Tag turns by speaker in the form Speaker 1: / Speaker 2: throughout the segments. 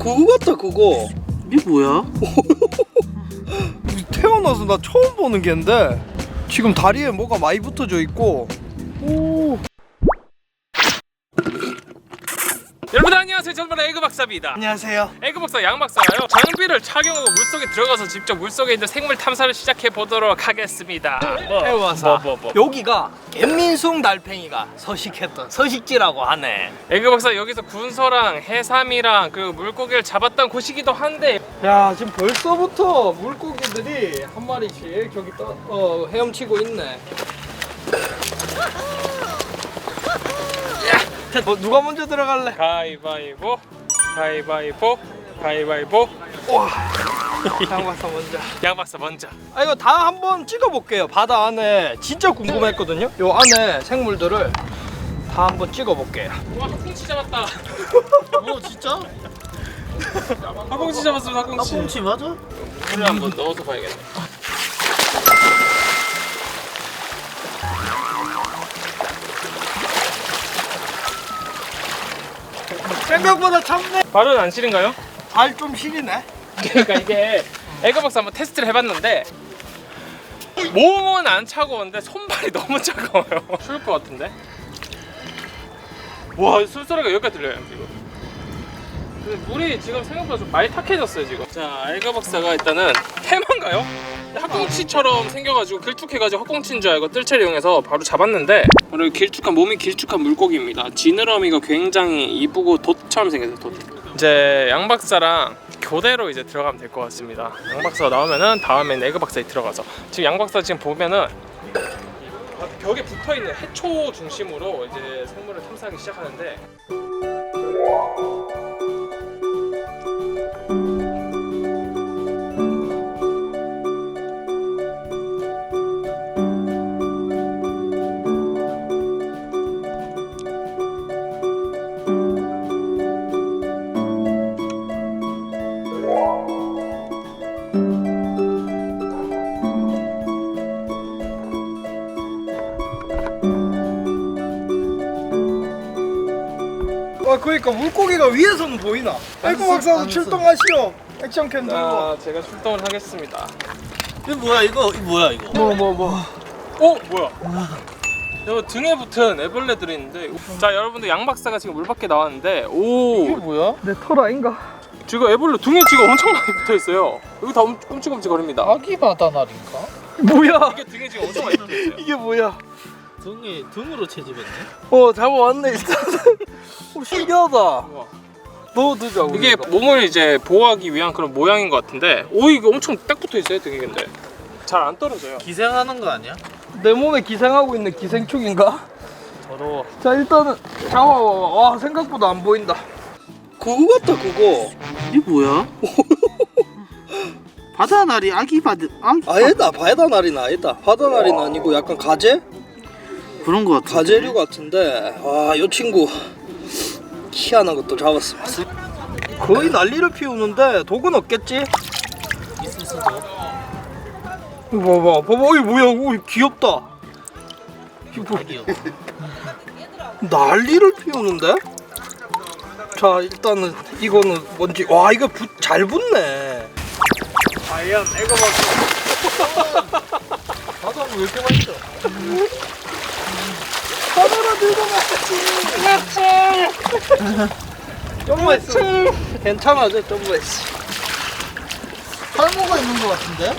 Speaker 1: 그거 같다 그거.
Speaker 2: 이게 뭐야?
Speaker 1: 태어나서 나 처음 보는 개인데 지금 다리에 뭐가 많이 붙어져 있고. 오.
Speaker 3: 여러분 안녕하세요. 저는 에그 박사입니다.
Speaker 1: 안녕하세요.
Speaker 3: 에그 박사 양 박사가요. 장비를 착용하고 물속에 들어가서 직접 물속에 있는 생물 탐사를 시작해 보도록 하겠습니다.
Speaker 1: 해와사.
Speaker 3: 뭐.
Speaker 1: 여기가 갯민숭 달팽이가 서식했던 서식지라고 하네.
Speaker 3: 에그 박사 여기서 군소랑 해삼이랑 그 물고기를 잡았던 곳이기도 한데
Speaker 1: 야, 지금 벌써부터 물고기들이 한 마리씩 저기 헤엄치고 있네. 누가 먼저 들어갈래?
Speaker 3: 가위바위보.
Speaker 1: 와. 양박사 먼저.
Speaker 3: 양 박사 먼저.
Speaker 1: 아, 이거 다 한번 찍어볼게요. 바다 안에 진짜 궁금했거든요. 요 안에 생물들을 다 한번 찍어볼게요.
Speaker 3: 와 학꽁치 잡았다.
Speaker 2: 진짜?
Speaker 3: 학꽁치 잡았습니다. 학꽁치.
Speaker 2: 꽁치 맞아?
Speaker 3: 물을 한번 넣어서 봐야겠네.
Speaker 1: 생각보다 참네.
Speaker 3: 발은 안 시린가요?
Speaker 1: 발 좀 시리네.
Speaker 3: 그러니까 이게 에그 박사 한번 테스트를 해봤는데 몸은 안 차가운데 손발이 너무 차가워요. 추울 것 같은데. 와 술소리가 여기까지 들려요 지금. 근데 물이 지금 생각보다 좀 많이 탁해졌어요 지금. 자 에그 박사가 일단은 해만가요? 학꽁치처럼 생겨가지고 길쭉해가지고 학꽁치인 줄 알고 뜰채를 이용해서 바로 잡았는데 오늘 몸이 길쭉한 물고기입니다. 지느러미가 굉장히 이쁘고 돛처럼 생겼어요. 돛. 이제 양 박사랑 교대로 이제 들어가면 될 것 같습니다. 양 박사가 나오면은 다음엔 에그 박사에 들어가서 지금 양 박사 지금 보면은 벽에 붙어 있는 해초 중심으로 이제 생물을 탐사하기 시작하는데.
Speaker 1: 아, 그러니까 물고기가 위에서는 보이나? 에그 박사도 출동하시오. 액션캠 들고.
Speaker 3: 자, 제가 출동을 하겠습니다.
Speaker 2: 이게 뭐야 이거? 이거 뭐야 이거?
Speaker 1: 뭐.
Speaker 3: 뭐야? 여기 등에 붙은 애벌레들이 있는데, 자 여러분들 양 박사가 지금 물 밖에 나왔는데,
Speaker 2: 이게 뭐야?
Speaker 1: 내 털 아닌가?
Speaker 3: 지금 애벌레 등에 지금 엄청 많이 붙어 있어요. 여기 다 끔찍끔찍거립니다.
Speaker 2: 아기 바다날인가?
Speaker 1: 뭐야?
Speaker 3: 이게 등에 지금 엄청 많이 붙어 있어요.
Speaker 1: 이게 뭐야?
Speaker 2: 등으로 채집했네.
Speaker 1: 잡아왔네 일단은. 신기하다.
Speaker 3: 우와.
Speaker 1: 넣어두자.
Speaker 3: 이게 몸을 이제 보호하기 위한 그런 모양인 것 같은데, 오 이게 엄청 딱 붙어 있어요 등에. 근데 잘 안 떨어져요.
Speaker 2: 기생하는 거 아니야?
Speaker 1: 내 몸에 기생하고 있는 기생충인가?
Speaker 3: 더러워.
Speaker 1: 자, 일단은 잡아봐. 와, 생각보다 안 보인다. 그거 같다 그거.
Speaker 2: 이게 뭐야? 바다날이 아기.
Speaker 1: 아니다. 바다날이는 아니다. 바다날이는 아니고 약간 가재?
Speaker 2: 그런 거 같아.
Speaker 1: 가재류 같은데. 와, 요 친구 희한한 것도 잡았습니다. 거의 난리를 피우는데 독은 없겠지?
Speaker 2: 있을 수도.
Speaker 1: 봐봐. 이게 뭐야? 오, 귀엽다.
Speaker 2: 아기요.
Speaker 1: 난리를 피우는데? 자, 일단은 이거는 뭔지. 와, 이거 잘 붙네. 과연 에그 박사. 바다는 왜 이렇게 맛있어? 바다라 들고 갔지. 좀 맛있어. 괜찮아, 좀 맛있어.
Speaker 2: 탈모가 있는 거 같은데?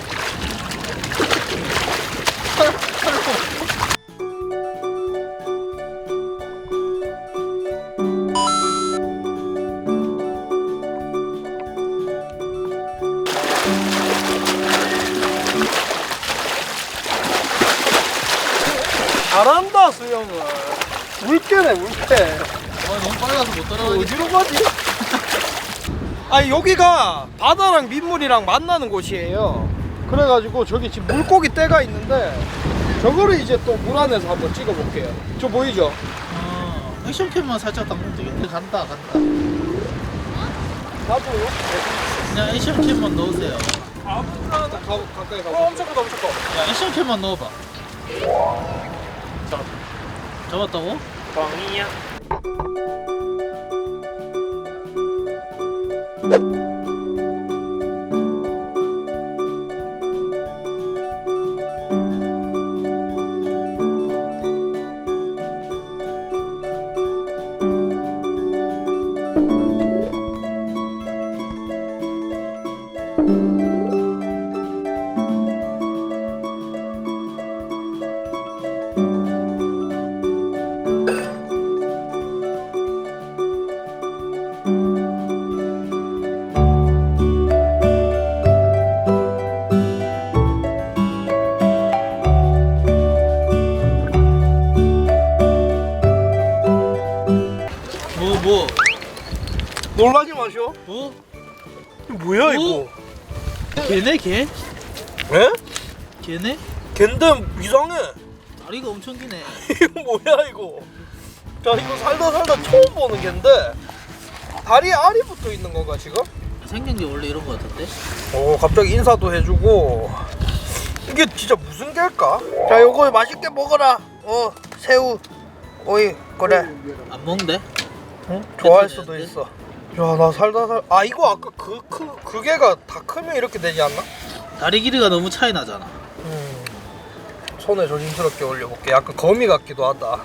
Speaker 1: 잘한다, 수영을. 물개네, 물개.
Speaker 2: 너무 빨라서 못 따라가겠어.
Speaker 1: 어디로 가지? 아니, 여기가 바다랑 민물이랑 만나는 곳이에요. 그래가지고 저기 지금 물고기 떼가 있는데 저거를 이제 또 물 안에서 한번 찍어볼게요. 저 보이죠?
Speaker 2: 액션캠만 살짝 담그면 되겠네. 간다.
Speaker 1: 나도요?
Speaker 2: 그냥 액션캠만 넣으세요.
Speaker 1: 가까이 가.
Speaker 3: 엄청 커.
Speaker 2: 야, 액션캠만 넣어봐. 잡았다고?
Speaker 3: 광이야.
Speaker 2: 뭐?
Speaker 1: 놀라지 마쇼.
Speaker 2: 뭐?
Speaker 1: 이거 뭐야 이거?
Speaker 2: 걔네 걔?
Speaker 1: 에?
Speaker 2: 걔네?
Speaker 1: 걘데 이상해.
Speaker 2: 다리가 엄청 기네.
Speaker 1: 이거 뭐야 이거? 자 이거 살다 처음 보는 갠데 다리에 알이 붙어 있는 건가 지금?
Speaker 2: 생긴 게 원래 이런 거 같은데?
Speaker 1: 갑자기 인사도 해주고. 이게 진짜 무슨 개일까? 자 요거 맛있게 먹어라. 새우 오이 그래.
Speaker 2: 안 먹는데?
Speaker 1: 응? 좋아할
Speaker 2: 괜찮은데?
Speaker 1: 수도 있어. 야 나 살다 이거 아까 그 개가 다 크면 이렇게 되지 않나?
Speaker 2: 다리 길이가 너무 차이 나잖아.
Speaker 1: 손에 조심스럽게 올려볼게. 약간 거미 같기도 하다.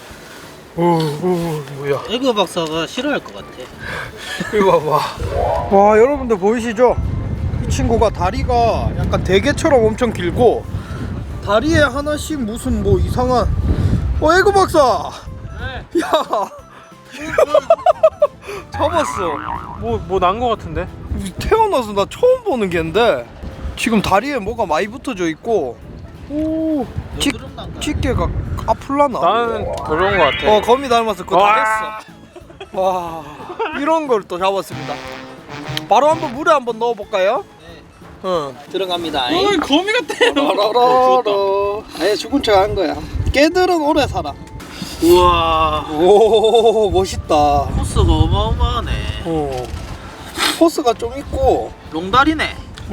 Speaker 1: 뭐야?
Speaker 2: 에그 박사가 싫어할 것 같아.
Speaker 1: 이거 봐봐. 와 여러분들 보이시죠? 이 친구가 다리가 약간 대게처럼 엄청 길고 다리에 하나씩 무슨 뭐 이상한 에그 박사.
Speaker 3: 네.
Speaker 1: 야 잡았어.
Speaker 3: 뭐 난 거 같은데?
Speaker 1: 태어나서 나 처음 보는 갠데 지금 다리에 뭐가 많이 붙어져 있고
Speaker 2: 여드름 난다.
Speaker 1: 집게가 아플라나?
Speaker 3: 나는 그런 거 같아.
Speaker 1: 거미 닮았어. 그거 다 했어. 와 이런 걸 또 잡았습니다. 바로 한번 물에 한번 넣어볼까요?
Speaker 2: 네.
Speaker 1: 응.
Speaker 2: 들어갑니다.
Speaker 3: 거미 같아.
Speaker 1: 라라라라. 아예 죽은 척 한 거야. 개들은 오래 살아.
Speaker 2: 우와.
Speaker 1: 오 멋있다.
Speaker 2: 코스가 어마어마하네.
Speaker 1: 포스가 좀 있고.
Speaker 2: 롱다리네.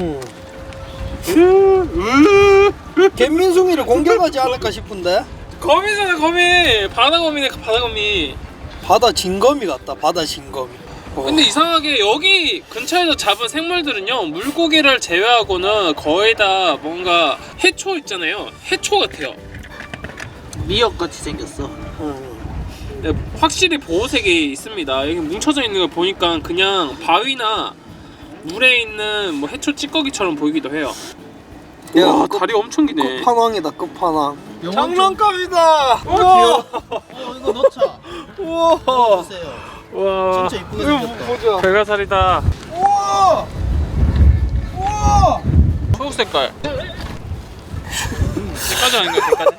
Speaker 1: 갯민숭이를 공격하지 않을까 싶은데.
Speaker 3: 거미잖아 거미. 바다 거미네 바다 거미.
Speaker 1: 바다 진거미 같다. 바다 진거미.
Speaker 3: 근데 이상하게 여기 근처에서 잡은 생물들은요 물고기를 제외하고는 거의 다 뭔가 해초 있잖아요. 해초 같아요.
Speaker 2: 미역 같이 생겼어.
Speaker 3: 네, 확실히 보호색이 있습니다. 여기 뭉쳐져 있는 걸 보니까 그냥 바위나 물에 있는 뭐 해초 찌꺼기처럼 보이기도 해요.
Speaker 1: 야,
Speaker 3: 와 다리 엄청 기네.
Speaker 1: 끝판왕이다. 끝판왕.
Speaker 2: 영원
Speaker 1: 장난감이다.
Speaker 3: 귀여워.
Speaker 2: 이거 넣자.
Speaker 1: 우와.
Speaker 2: 보세요.
Speaker 3: 와
Speaker 2: 진짜 이쁘게 생겼다.
Speaker 1: 보자.
Speaker 3: 별가살이다.
Speaker 1: 우와. 우와.
Speaker 3: 초록 색깔. 색깔이 아닌가 색깔?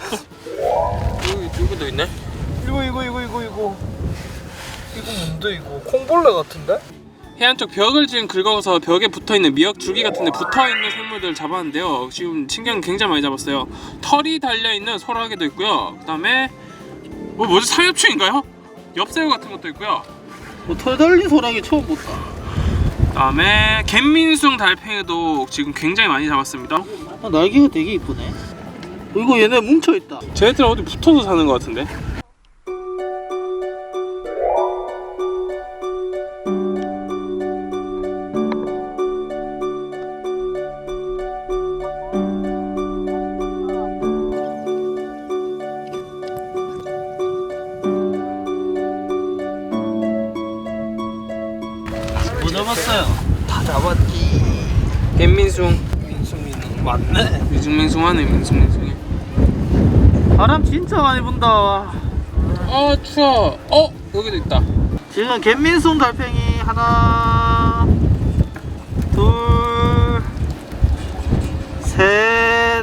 Speaker 3: 여기도 있네.
Speaker 1: 이거 뭔데 이거? 콩벌레 같은데?
Speaker 3: 해안 쪽 벽을 지금 긁어서 벽에 붙어있는 미역 줄기 같은 데 붙어있는 생물들을 잡았는데요. 지금 신기한 게 굉장히 많이 잡았어요. 털이 달려있는 소라게도 있고요. 그 다음에 뭐지? 삼엽충인가요? 엽새우 같은 것도 있고요.
Speaker 2: 털 달린 소라기 처음 봤다.
Speaker 3: 그 다음에 갯민숭 달팽이도 지금 굉장히 많이 잡았습니다.
Speaker 2: 날개가 되게 이쁘네. 이거 얘네 뭉쳐있다.
Speaker 3: 쟤네들 어디 붙어서 사는 것 같은데?
Speaker 2: 뭐 잡았어요?
Speaker 1: 다 잡았지.
Speaker 3: 갯민숭.
Speaker 1: 민숭이는 맞네.
Speaker 3: 민숭민숭하네 민숭민숭해.
Speaker 2: 바람 진짜 많이 분다.
Speaker 3: 아 추워. 여기도 있다.
Speaker 2: 지금 갯민숭 달팽이 하나, 둘, 셋,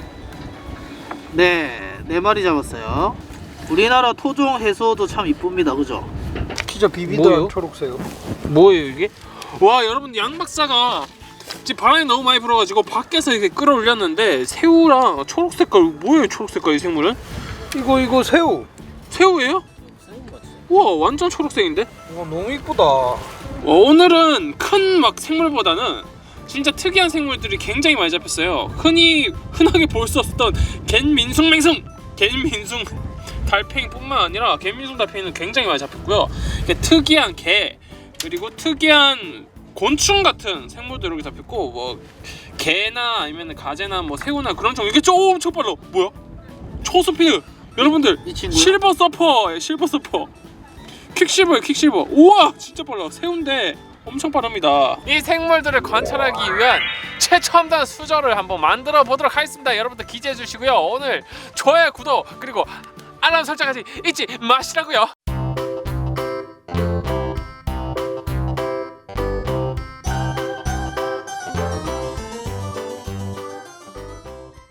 Speaker 2: 네 마리 잡았어요. 우리나라 토종 해소도 참 이쁩니다, 그죠?
Speaker 1: 진짜 비비드한
Speaker 3: 뭐요?
Speaker 1: 초록새우.
Speaker 3: 뭐예요 이게? 와 여러분 양 박사가 지금 바람이 너무 많이 불어가지고 밖에서 이렇게 끌어올렸는데 새우랑 초록 색깔 뭐예요 초록 색깔 이 생물은?
Speaker 1: 이거 새우.
Speaker 3: 새우예요? 우와 완전 초록색인데?
Speaker 1: 와 너무 이쁘다.
Speaker 3: 오늘은 큰 막 생물보다는 진짜 특이한 생물들이 굉장히 많이 잡혔어요. 흔하게 볼 수 없었던 갯민숭 달팽이뿐만 아니라 갯민숭 달팽이는 굉장히 많이 잡혔고요. 이게 특이한 개 그리고 특이한 곤충 같은 생물도 이렇게 잡혔고 뭐 개나 아니면 가재나 뭐 새우나 그런 종 이게 좀 엄청 빨라. 뭐야? 초스피드 여러분들
Speaker 2: 이 친구요?
Speaker 3: 실버 서퍼 실버 서퍼 퀵실버예요 퀵실버. 우와 진짜 빨라. 새우인데 엄청 빠릅니다. 이 생물들을 관찰하기 위한 최첨단 수저를 한번 만들어 보도록 하겠습니다. 여러분들 기대해 주시고요. 오늘 좋아요 구독 그리고 알람 설정까지 잊지 마시라고요.